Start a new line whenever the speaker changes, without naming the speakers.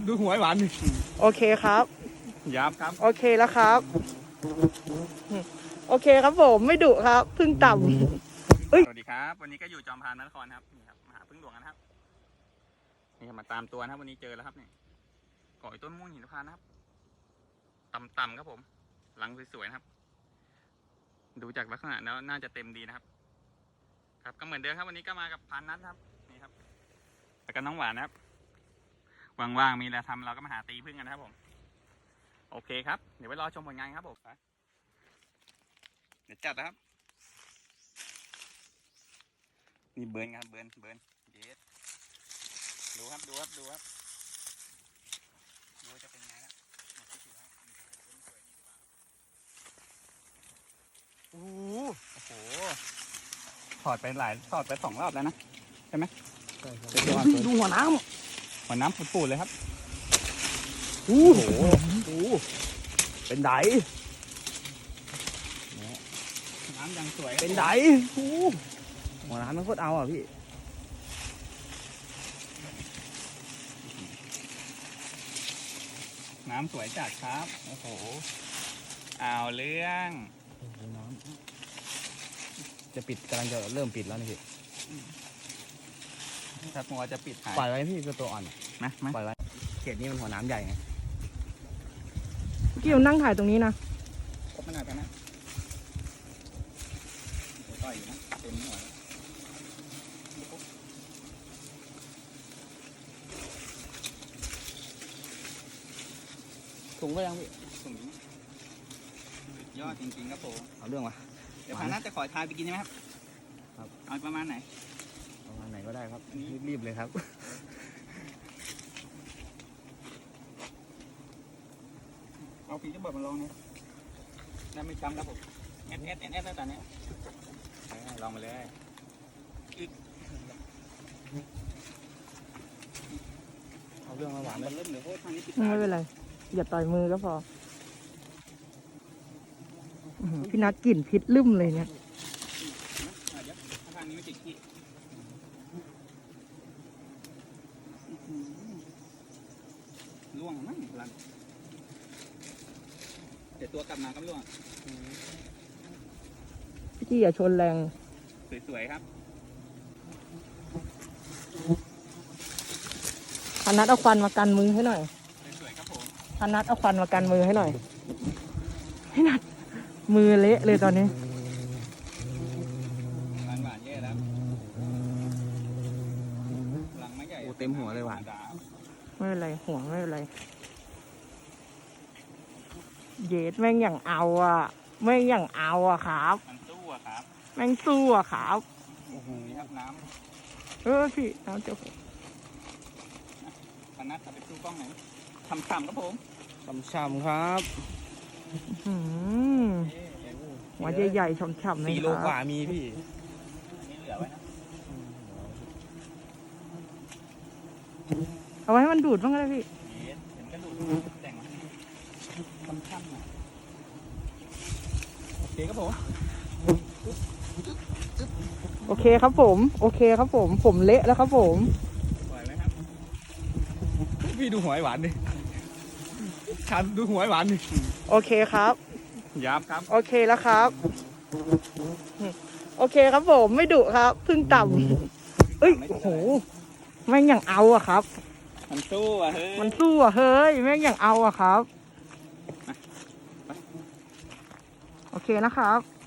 ดูหัวหวานดิ
โอเคครับ
ยับครับ
โอเคแล้วครับโอเคครับผมไม่ดุครับพึ่งต่ำ
สวัสดีครับวันนี้ก็อยู่จอมพานนครครับนี่ครับมาหาพึ่งหลวงกันครับนี่ครับมาตามตัวนะครับวันนี้เจอแล้วครับเนี่ยก่อยต้นม่วงหินพานนะครับต่ำๆครับผมหลังสวยๆนะครับดูจากลักษณะแล้วน่าจะเต็มดีนะครับครับก็เหมือนเดิมครับวันนี้ก็มากับพานนัทครับนี่ครับแล้วก็น้องหวานนะครับว่างๆมีอะไรทำเราก็มาหาตีพึ่งกันนะครับผมโอเคครับเดี๋ยวไปรอชมผลงานครับผมเดี๋ยวจัดนะครับนี่เบิร์นครับเบิร์นเยสดูครับดูจะเป็นไงนะโอ้โหถอดไปสองรอบแล้วนะใช่ไหมใช่ครับ
ดูหัวน้
ำปูดๆเลยครับ
โอ้โหเป็นได
น้ำยังสวย
เป็นไดหัวน้ำมันโคตรเอาอ่ะพี่
น้ำสวยจัดครับโอ้โหเอาเรื่อง
น้ำจะปิดกำลังจะเริ่มปิดแล้วนี่พี่
ถ้ามัวจะปิดหาย
ปล่อยไว้พี่ตัวอ่อน
นะ
ปล่อยไว้เขตนี้มันหัวน้ำใหญ่ไง
พี่นั่งถ่ายตรงนี้นะ
ครบขนาดนะต่อยอยู่นะเต็มหัว
ถุงก็ยังพี่
ถุงยอดจริงๆครับผม
เอาเรื่องมา
เดี๋ยวพานัทจะขอทายไปกินใช่ไหมครับเอาประมาณไหน
ก็ได้ครับรีบเลยครับ
เอาปีจะเบิดมาลองเนี่ยได้ไม่จำครับผมเอสแล้วตอนนี้ลองมาเลย
เอาเรื่องมาหวาน
มันเริ่มเหนือโคตรทางนี้ติด
ไม่เป็นไรอย่าต่อยมือก็พอพี่นัทกลิ่นพิษลืมเลยเนี่ย
ทางนี้ไม่ติดที่ล่วงมั้งลันเดี๋ยวตัวกลับมาก็ล่วง
พี่อย่าชนแรง
สวยๆครับ
พนัทเอาควันมากันมือให้หน่อย
สวยๆครับผม
พนัทเอาควันมากันมือให้หน่อยให้นัทมือเละเลยตอนนี้
หวานแย่แล้วหลังไม่ใหญ่
เต็มหัวเลยหวาน
ไม่เป็นไรห่วงไม่เป็นไรเยสแม่งอย่างเอาอ่ะแม่งอย่างเอาอ่ะครับ
มันสู้อะครับ
แม่งสู้อ่ะครับ
โอ้โหครับน้
ำพี่น้ำเจ้าผม
พนัทจะไปสู้กล้องไหนทำครับผม
ช่ำครับ
หัวใหญ่ๆฉ่ำๆเลย
4 โลกว่ามีพี่
นี่เหลือไว้นะ
เอาไว้ให้มันดูดบ้างก็ได้พี่
เห็นก็ดูดแต่งค่ำๆนะโอเคครับผม
โอเคครับผมผมเละแล้วครับผม
ไหวไหมครับ
พี่ดูหัวหวานดิดูหัวหวานดิ
โอเคครับ
ยับครับ
โอเคแล้วครับโอเคครับผมไม่ดุครับพึ่งต่ำโอ้โหแม่งอย่างเอาอะครับ
มันสู้อะเฮ้
ยแม่งอย่างเอาอะครับโอเคนะครับ